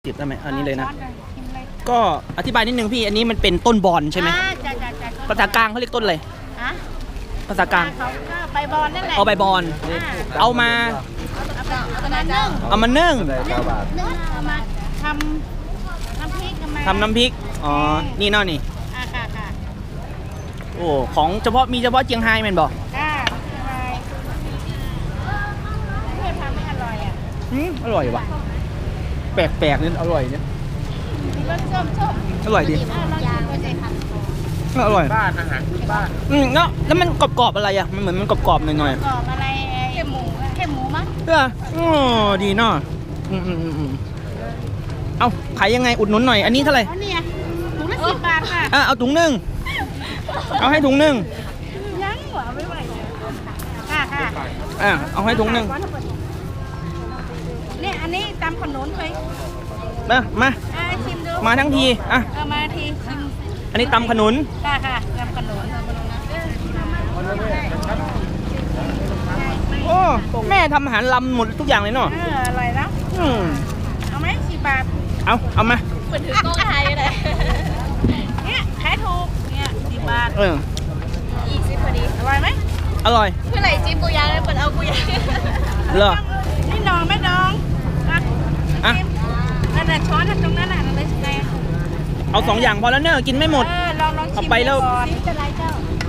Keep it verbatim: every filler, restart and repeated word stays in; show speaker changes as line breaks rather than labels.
ติดได้ไหมอันนี้เลยนะ
ช้อชิมเลย
ก็อธิบายนิดนึงพี่อันนี้มันเป็นต้นบอนใช่ไหม
อ่าจ้ะจ้ะจ้ะ
ภาษากลางเขาเรียกต้นอะไร
ฮะ
ภาษากลาง
เขาก็ใบบอนนั่นแหละ
เอาใบบอน
อ่า
เอามา
เอาไปเอาไปนึ่ง
เอามานึ่ง
เก้าบาท
นึ่งเอามาทำน้ำพริกกันมา
ทำน้ำพริกอ๋อนี่เนาะนี่
อ่าค่ะค่ะ
โอ้ของเฉพาะมีเฉพาะเจียงไฮ้แมันบอก
อ่าอะไรเพื่อนทำไม่อร่อยอ่ะ
อืมอร่อยว่ะแปลกๆนี่อร่อยเนี่ย
มีรสส้มส้ม
อร่อยดี
อ่าลองชิมไปเลยค่ะ
อร่อย
บ้านอาหารพื้นบ้าน
อืมแล้วแล้วมันกรอบๆอะไรอ่ะมันเหมือนมันกรอบๆหน่อย
กรอบอะไรเค็มหมูเค็มหมูมั้ง
ๆเออโอ้ดีเนาะอืมอืมอืมอืมเอาขายยังไงอุดหนุนหน่อยอันนี้เท่าไหร่
อ๋อเนี่ยถุงละสิบบาทค่ะ
อ่ะเอาถุงหนึ่งเอาให้ถุงหนึ่ง
ยังเหรอไม่ไหวเลยค่ะค่ะ
อ่ะเอาให้ถุงหนึ่ง
เนี่ยอันนี้ตำขนุนเคย
มามา
อ่าชิมดู
มาทั้งทีอ่ะ
เอามาทีชิม
อันนี้ตำขนุน
ค่ะค่ะตำขนุน
โอ้แม่ทำอาหารลำหมดทุกอย่างเลยเนาะ
เอออร่อยแล้ว
อืม
เอาไหมสิบบาท
เอาเอามา
เหมือนถือกล้องถ่ายเลยเนี่ยขายถูกเนี่ยสิบบาท
เออ
ยี่สิบพอดีอร่อยไหม
อร่อย
เมื่อไหร่จิ้มกูยางเลยเปิดเอากูยาง
เหรอ
นี่ดองไม่ดองอ่ะ
อ่ะ
จิ้มนั่นน่ะช้อนตรงนั้นน่ะนั่นเลยไง
เอาสองอย่างพอแล้วเนอะกินไม่หมด
เออลองลองชิม
เอาไปแล้ว
ก่อนจะไรเจ้า